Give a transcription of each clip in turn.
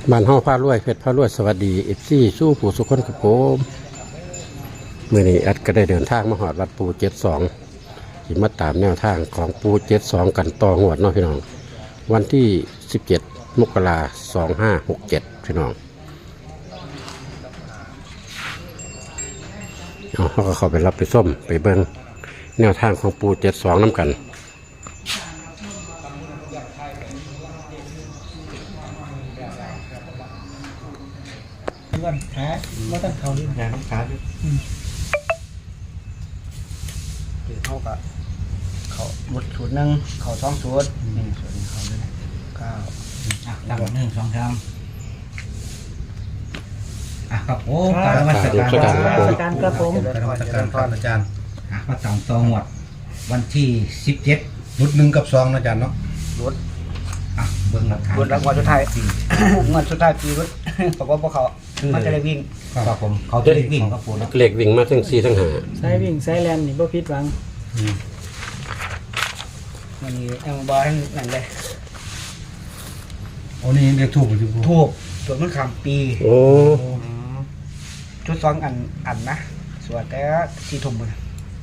บ้านห้องผ้ารวยเพชรผ้ารวยสวัสดีเอฟซีสู้ผู้สุขคนกับผมเมื่อนี้อัดก็ได้เดินทางมาหอดวัดปู72ที่มาตามแนวทางของปู72กันต่อหวดเนาะพี่น้องวันที่17 มกราคม 2567พี่น้องเขาก็เข้าไปรับไปส้มไปเบิ้งแนวทางของปู72น้ำกันก่อนขาไม่ต้องเขาดิงานต้องขาดิเขากับเขาหมดสูตรนึงเขาสองสูตรนี่ส่วนเขาเลย9ตั้ง1 2 3ครับผมการนมัสการครับผมการนมัสการครับอาจารย์มาตามตองหมดวันที่17รุด1 กับ 2นะอาจารย์เนาะรุดเบิ้งหลักฐานรุดแล้ววันสุดท้ายเงินสุดท้ายปีรุดบอกว่าพวกเขามันจะได้วิ่งครับผมเขาจะได้วิ่งครับผมเหล็กวิ่งมาทั้ง4ทั้ง 5สายวิ่งสายแลนนี่บ่ผิดหวังวันนี้เอาบอลนั่นเลยโอ้นี่เรียกถูกหรือถูกส่วนมันขำปีโอ้ชุด2 อันนะส่วนแต่4 ทุ่มเลย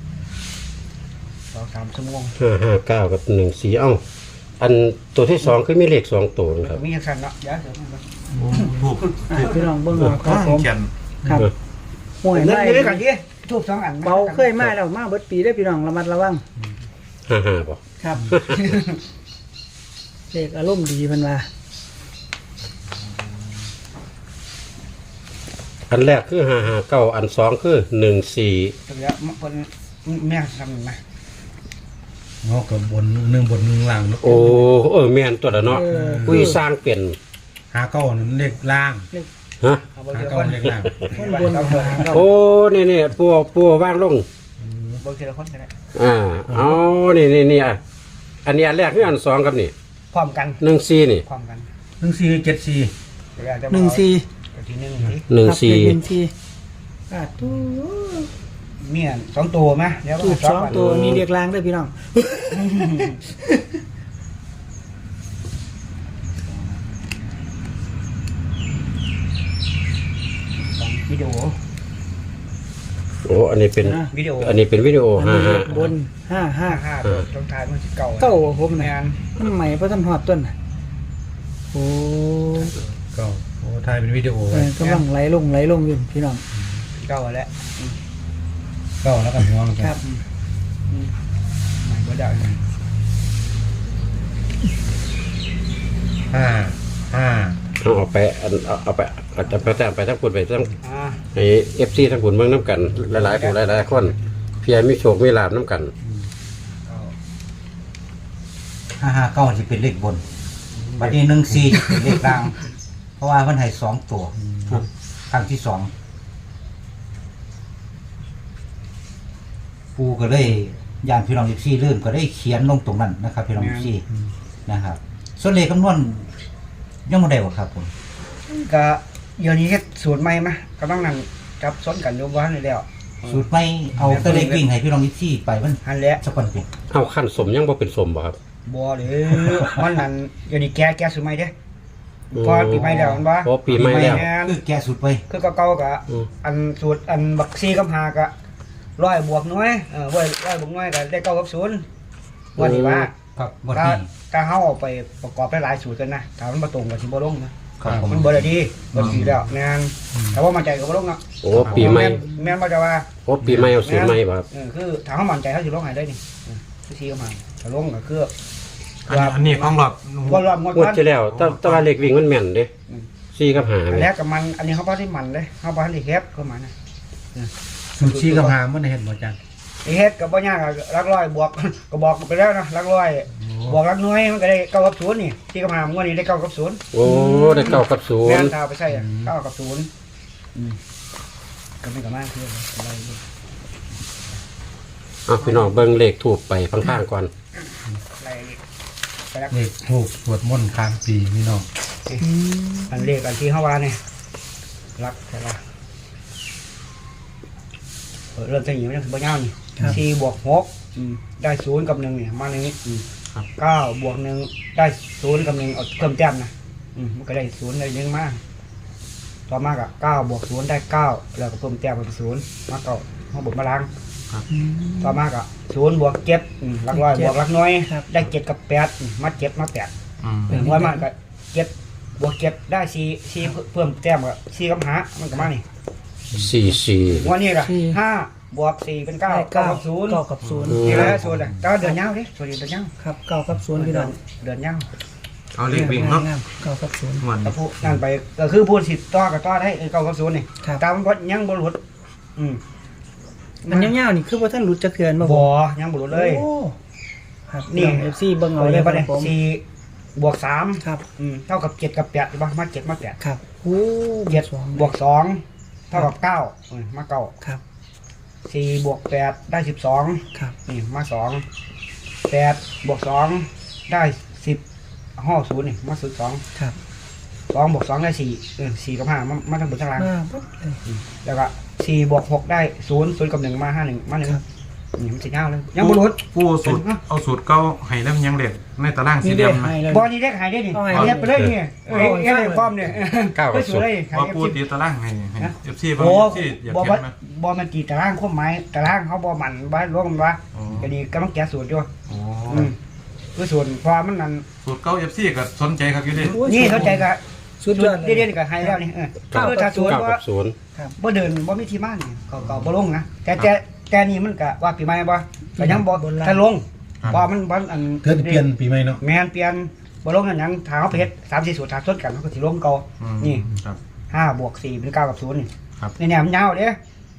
2-3 ชั่วโมง 559กับ14เอ้าอันตัวที่2คือมีเลข2ตัวครับมีอย่างสั้นเนาะเดี๋ยวถูกพี่น้องเบิ่งเอาครับผมครับห่วยไม่กันดิถูก2 อันเบาเคยมาแล้วมาเบิดปีได้พี่น้องระมัดระวัง 55บ่ครับเลขอารมณ์ดีเพิ่นว่าอันแรกคือ559อัน2คือ14 แล้วเพิ่นแม่ทำมาเนาะกับบน1 บน 1ล่างเนาะโอ้แม่นตัวละเนาะคุยสร้างเป็น 59นั่นเลขล่างฮะ 59เลขล่างบนโอ้นี่ปัวว่างลงบ่ทีละคนก็ได้เอานี่อันนี้อันแรกคืออัน2ครับนี่พร้อมกัน 14นี่พร้อมกัน 1474 14ที่ 14ตู้มี2 ตัวมั้ยเดี๋ยวถูก2 ตัวมีเรียกลางด้วยพี่น้องวิดีโออันนี้เป็นวิดีโอบน 55ตรงท้ายมันสิเก่าผมแม่นมันใหม่บ่ทันฮอดต้นโอ้ถ่ายเป็นวิดีโอไว้กำลังไหลลงอยู่พี่น้องเก่าแล้วแล้วก็ห่วงครับใหม่บ่ได้เอาไปเอาไปอาจจะไปแต่งไปทั้งคนไปทั้งไอ้ FC ทั้งคนเมืองน้ำกันหลายๆผู้หลายๆคนเพียรมีโชคมีลาภน้ำกัน 559สิเป็นเลขบนบัดนี้14เป็นเลขล่างเพราะว่ามันให้2 ตัวถูกครั้งที่2ปูก็เลยย่านพี่น้อง14ลื่นก็ได้เขียนลงตรงนั้นนะครับพี่น้อง14นะครับส่วนเลขคำนวณยังบ่ได้บ่ครับผมก็เดี๋ยวนี้เฮ็ดสูตรใหม่มาก็ต้องนั่งจับซ้อนกันอยู่ว่านี่แล้วสูตรใหม่เอาแต่เลขวิ่งให้พี่น้อง14ไปมันหันแล้วสักวันเป็นเอาขั้นสมยังบ่เป็นสมบ่ครับบ่เด้อมันนั่นเดี๋ยวนี้แก้สูตรใหม่เด้พอปีใหม่แล้วมันบ่พอปีใหม่แล้วคือแก้สูตรไปคือเก่าๆก็อันสูตรอันบัก4กับ5ก็100 บวกหน่วย100 บวกหน่วยก็ได้9 กับ 0ว่านี่ว่าครับถ้าเฮาเอาไปประกอบหลายสูตรกันนะถ้ามันบ่ตรงก็สิบ่ลงนะมันบ่ได้ดีบ่ดีแล้วแม่นแต่ว่ามั่นใจก็บ่ลงเนาะปีใหม่แม่นบ่จะว่าปีใหม่เอาสูตรใหม่บ่ครับคือถ้าเฮามั่นใจเฮาสิลงให้ได้นี่4กับ5ถ้าลงก็คืออันนี้ของหลอดงวดที่แล้วแต่ว่าเลขวิ่งมันแม่นเด้4กับ5 อันแรกกับมันอันนี้เฮาบ่ได้มันเด้เฮาบ่ได้แคบเข้ามานะสูตร4กับ5มันเห็นบ่อาจารย์เฮ็ดก็บ่ยากหลักร้อยบวกก็บอกไปแล้วนะหลักร้อยบวกหลักหน่วยมันก็ได้9 กับ 0นี่4กับ5งวดนี้ได้9 กับ 0 โอ้ได้9 กับ 0 แม่นถ้าไปใช้9 กับ 0ก็ไม่ก็มากคืออะไรพี่น้องเบิ่งเลขถูกไปข้างๆก่อนเลขถูกสวดมนต์ค้างปีพี่น้องอันเลขอันที่เฮาว่านี่รักใช่ป่ะเริ่มจะหิวยังบ่ยาวนี่4 บวก 6ได้0 กับ 1นี่มาในนี้9 บวก 1ได้0 กับ 1เอาเพิ่มแต้มนะมันก็ได้ศูนย์ได้หนึ่งมาต่อมากับ9 บวก 0 ได้ 9แล้วก็เพิ่มแต้มเป็น0มาเก่ามาบวกมาล้างต่อมากับ0 บวก 7หลักร้อยบวกหลักน้อยได้7 กับ 8มา7 มา8ถึงว่ามันก็7 บวก 7 ได้4เพิ่มแต้มกับ4กับ5มันก็มานี่ 44 วันนี้ก็5 บวก 4 เป็น 9 9 กับ 0 9 กับ 0 นี่แหละส่วนแต่เดือนยาวดิส่วนเดือนยาวครับ9 กับ 0พี่น้องเดือนยาวเอาเลขวิ่งเนาะ 9 กับ 0 มันแต่พูดนั่นไปก็คือพูดสิต่อกับต่อได้9 กับ 0นี่ครับตามมันก็ยังบ่หลุดมันยาวๆนี่คือว่าท่านหลุดจะเกินบ่บ่ยังบ่หลุดเลยโอ้ครับนี่นี่ FC เบิ่งเอาเอาเลเลย ยคป่ะรัเนี่บยผม 4 บวก 3 ครับเท่ากับ7 กับ8ใช่ป่ะมา7 มา 8 ครับโอ้ 7 บวก 2 เท่ากับ9มา9 ครับ 4 บวก 8 ได้ 12 ครับนี่มา2 8 บวก 2 ได้ 10ห่อ0นี่มา02 ครับ 2 บวก 2 ได้ 4 4 กับ 5มาทั้งบนทั้งล่างมาปุ๊บเลยแล้วก็4 บวก 6 ได้ 0 กับ 1 มา 5 1 มา1 ครับนี่มันสิยาวเลยยังบ่หลุดปูสูตรเอาสูตรเก่าให้แล้วยังเด็ดในตารางสี่นี่เหลี่เด้ยมนะให้เลยบอลนี่ได้ขายได้ดิเอาไงเรียบไปเลยนี่เอ้ยความเนี่ย 9 กับสวยเลย 0 ขายว่าเอฟปูซีตีตารางให้เอฟซีบางโอ้ที่อยากบอลเห็นไหมบอลมันตีตารางควบไม้ตารางเขาบอลมันบ้านร่วมวะอ๋อก็ดีกำลังแกะสูตรอยู่โอ้คือส่วนความมันนั่นสูตรเก่าเอฟซีก็สนใจครับอยู่ดินี่เข้าใจกับสุดยอดเลยเด่นๆกับไฮแล้วนี่คือถ้าสวน 9 ว่ากับ 0 บ่เดินบ่มีที่บ้านนี่ก็บ่ลงนะแต่นี่มันก็ว่าปีใหม่บ่ก็ยังบ่ถ้าลงพอมันอันเกิดเปลี่ยนปีใหม่เนาะแมนเปลี่ยนบ่ลงนั่นหยังถ้าเฮาไปเฮ็ด3-4สูตรถ้าสดกันมันก็สิลงเก่า นี่ครับ 5 บวก 4 เป็น 9 กับ 0 นี่ครับนี่เนี่ยมันยาวเด้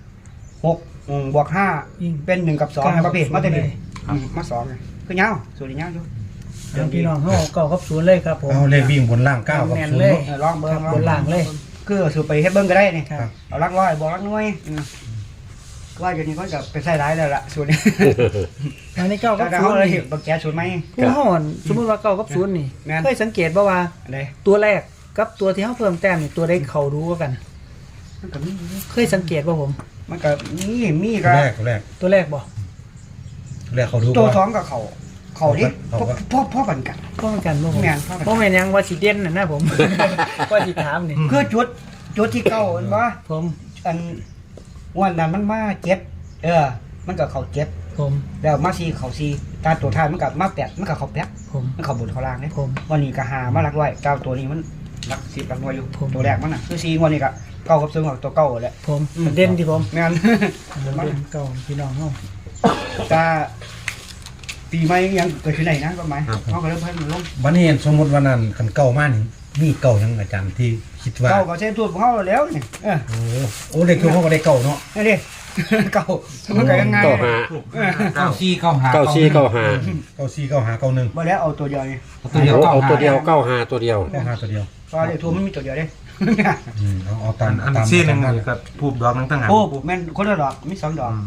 6 บวก 5 เป็น 1 กับ 2ในประเภทมาแต่นี่มา2ไงคือยาวส่วนนี้ยาวอยู่เอาพี่น้องเฮา9 กับ 0 เลยครับผมเอาเลขวิ่งบนล่าง9กับแม่น 0 เลยเนาะลองเบิ่ครังบบนล่างเลยคือสูตรไปเฮ็ดเบิ่งก็ได้นี่ครับเอาหลักร้อยบวกหลักหน่วยว่าอยู่นี่ก็จะไปใส่ร้ายแล้วล่ะสูตรนี้อันนี้9 กับถ้าเฮา 0 เลยนี่บักแกสูตรไหมผู้เฮาอ่อนสมมุติว่า9 กับ 0 นี่แม่นเคยสังเกตบ่ว่าอันใดตัวแรกกับตัวที่เฮาเพิ่มแต้มนี่ตัวใดเข้าดูกว่ากันมันก็มีเคยสังเกตบ่ผมมันก็มีก็แรกตัวแรกบ่เขาดูตัวว่าท้องกับเขาดิพ่อกันกันพอกันบ่ผมแม่นพอกันบ่แม่นหยังว่าสิเด่นน่ะนะผม ว่าสิถามนี่คือจุดที่เก่าเห็นบ่ผมอันวันนั้นมันมา7มันก็เขา7 ผมแล้วมา4เขา4ตาตัวท้ายมันก็มา8มันก็เขา8 ผมมันเขาบนเขาล่างเด้ผมวันนี้ก็หามาหลักร้อยเก้าตัวนี้มันหลัก10หลักหน่วยอยู่ผมตัวแรกมันน่ะคือ4วันนี้ก็เก้ากับซึ่งตัวเก่าแหละผมเด่นที่ผมแม่นเด่นเก่าพี่น้องเฮาตาปีใหม่ยังเกิดขึ้นไหนนะก็หมายเขาก็เริ่มเพิ่มมันลงวันนี้สมมติว่านั้นคันเก่ามากนี่มีเก่ายังอาจารย์ที่คิดว่าเก่าก็เส้นตัวของเขาแล้วนี่โอ้เลขคือเขาก็ได้เก่าเนาะนี่ดิเก่ามันก็ยังไง 9 5 94 95 9 4 9 5 เก่า4เก่าหาเก่า1 มาแล้วเอาตัวเดียวนี่ตัวเดียวเอาตัวเดียว 95 9 5 ตัวเดียวเก่าหาตัวเดียวตอนเดียวทัวมันมีตัวเดียวเด้เอาตามอันซี่หนึ่งนี่ก็ผูกดอกนึงตั้งหากโอ้แม่นคนละดอกมี2 ดอก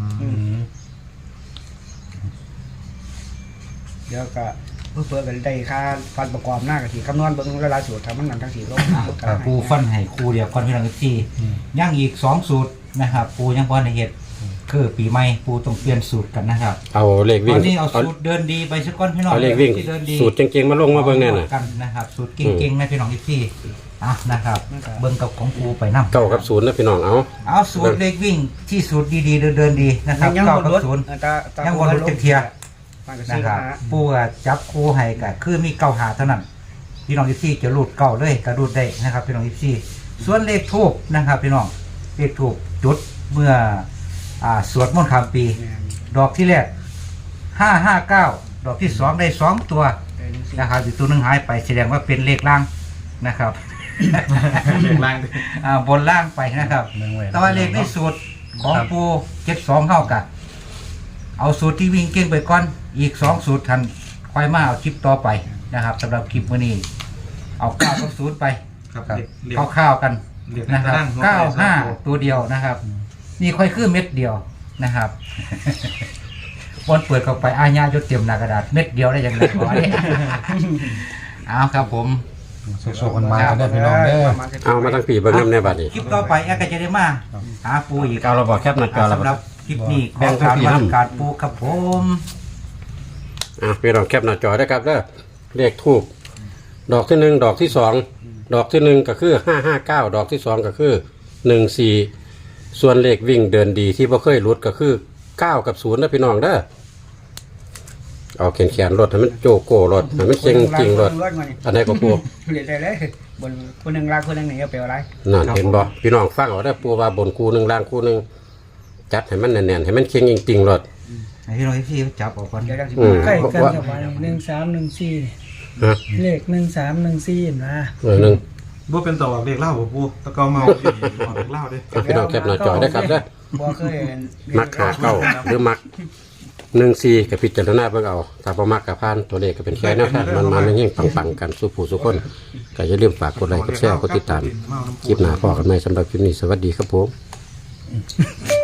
เดี๋ยวก็เพื่อกันได้ค่าฟันประกอบหน้ากะทิคำนวณเบิ่งหลายๆสูตรทำมันนั่นทั้ง4โลกปูฟันให้ครูเดียวก่อนพี่น้องที่ย่างอีก2สูตรนะครับปูยังบ่ได้เฮ็ดคือปีใหม่ปูต้องเปลี่ยนสูตรกันนะครับเอาเลขตวิ่อง นนี้เอาสูตรเดินดีไปสักก้อนพี่น้องเอาเลขวิ่งที่เดินดีสูตรเก่งๆมาลงมาเบิ่งแน่น่ะกันนะครับสูตรเก่งๆนะพี่น้องที่นะครับเบิ่งกับของปูไปนำ 9 กับ 0นะพี่น้องเอาเอาสูตรเลขวิ่งที่สูตรดีๆเดินดีนะครับยังเก้าบ่กับลดศูนย์ยัยังบ่ลดจักเที่ยมันก็นะซื้อคมารับปูก็จับคู่ให้ก็คือมีเก้าหาเท่านั้นพี่น้องที่จะรูดเก้าเลยก็รูดได้นะครับพี่น้องที่ส่วนเลขทูบนะครับพี่น้องเลขทูบจุดเมื่อสวดมนต์ข้ามปี ดอกที่แรก559ดอกที่2ได้2ตัวนะครับอีกตัวหนึงหายไปแสดงว่าเป็นเลขล่างนะครับเลขล่างดิบนล่างไปนะครับ แต่ว่าเลขในสูตรของปู72เข้ากันเอาสูตรที่วิ่งเก่งไปก่อนอีก2สูตรทันค่อยมาเอาคลิปต่อไปนะครับสำหรับคลิปมื้อนี้เอา9กับ0ไปครับครับเลขข้าวๆกันเลขนะครับตารางหัวใจสองตัว 95ตัวเดียวนะครับนี่ค่อยคือเม็ดเดียวนะครับ วันเปิดเข้าไปอาญาจดเตรียมหน้ากระดาษเม็ดเดียวได้ยังไงขอเนี่ย เอาครับผมโชคๆกันมากันได้พี่น้องเด้อเอามาทั้งปีเบิ่งนำในบัดนี้คลิปต่อไปแอร์ก็จะได้มาหาปูอีกเอาเราบอกแคปหน้าจอเราสำหรับคลิปนี้ขแบ่องทั้งการปีวันำดการปูครับผมพี่น้องแคปหน้าจอได้ครับเด้อเลขทูบดอกที่1ดอกที่2 ดอกที่1ก็คือ559ดอกที่2ก็คือ14ส่วนเลขวิ่งเดินดีที่บ่เคยหลุดก็คือ9กับ0นะพี่น้องเด้อเอาแขนรถให้มันโจโก้รถให้มันเก่งจริงรถอันไหนก็ปูเรียนได้เลยบนคนหนึ่งลากคนหนึ่งหนีเอาไปอะไรนั่นเห็นบ่พี่น้องฟังเอาได้อปูว่าบนคู่หนึงล่างคู่หนึงจัดให้มันแน่นๆให้มันเก่งจริงๆรถให้พี่น้องที่จับออกก่อนเดี๋ยวเราจะใกล้กันกับวัน1314 ฮะเลข1314เห็นป่ะหนึ่งบ่เป็นต่อเรียกเล่าบ่ปูตะเกาเมาอยู่นี่ออกเรียกเล่าเด้เอาพี่น้องแคปหน้าจอได้ครับเด้อบ่เคยมักหาเก้าหรือมัก14กับพิจารณาเบิ่งเอาถ้าบ่มักกับพานตัวเลขก็เป็นแค่แนวทางมันๆยิ่งปังๆกันสู้ผู้สู้คนก็อย่าลืมฝากกดไลค์กดแชร์กดติดตามคลิปหน้าพอกันใหม่สำหรับคลิปนี้สวัสดีครับผม